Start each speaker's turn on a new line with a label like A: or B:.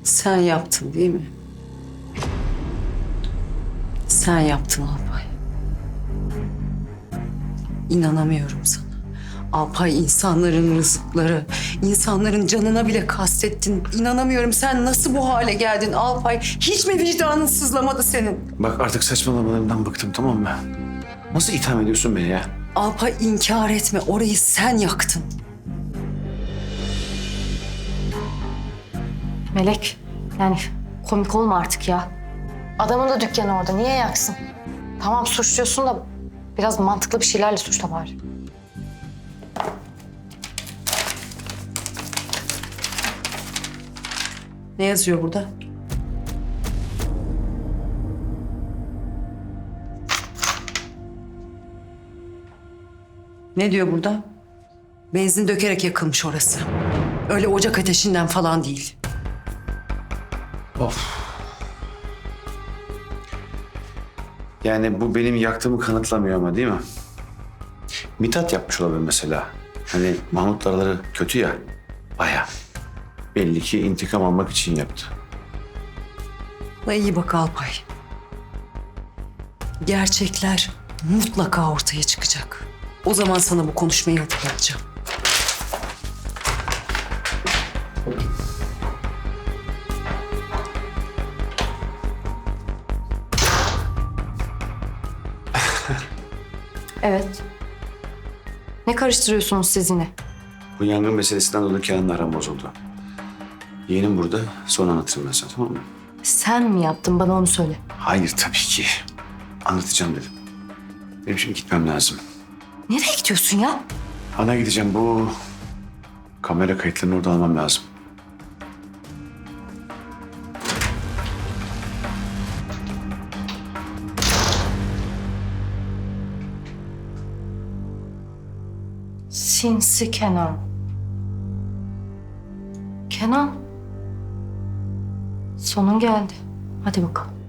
A: Sen yaptın değil mi? Sen yaptın Alpay. İnanamıyorum sana. Alpay, insanların rızıkları, insanların canına bile kastettin. İnanamıyorum. Sen nasıl bu hale geldin Alpay? Hiç mi vicdanın sızlamadı senin?
B: Bak artık saçmalamalarından bıktım, tamam mı? Nasıl itham ediyorsun beni ya?
A: Alpay, inkar etme. Orayı sen yaktın.
C: Melek, yani komik olma artık ya. Adamın da dükkanı orada, niye yaksın? Tamam suçluyorsun da biraz mantıklı bir şeylerle suçla bari.
A: Ne yazıyor burada? Ne diyor burada? Benzin dökerek yakılmış orası. Öyle ocak ateşinden falan değil.
B: Of. Yani bu benim yaktığımı kanıtlamıyor ama değil mi? Mithat yapmış olabilir mesela. Hani Mahmut'la araları kötü ya. Baya. Belli ki intikam almak için yaptı.
A: Buna iyi bak Alpay. Gerçekler mutlaka ortaya çıkacak. O zaman sana bu konuşmayı hatırlatacağım.
C: Evet. Ne karıştırıyorsunuz siz yine?
B: Bu yangın meselesinden dolayı Kenan'la aram bozuldu. Yeğenim burada. Sonra anlatırım ben sana, tamam mı?
C: Sen mi yaptın, bana onu söyle.
B: Hayır tabii ki. Anlatacağım dedim. Benim şimdi gitmem lazım.
C: Nereye gidiyorsun ya?
B: Ana gideceğim, bu kamera kayıtlarını orada almam lazım.
C: Sinsi Kenan. Kenan. Sonun geldi. Hadi bakalım.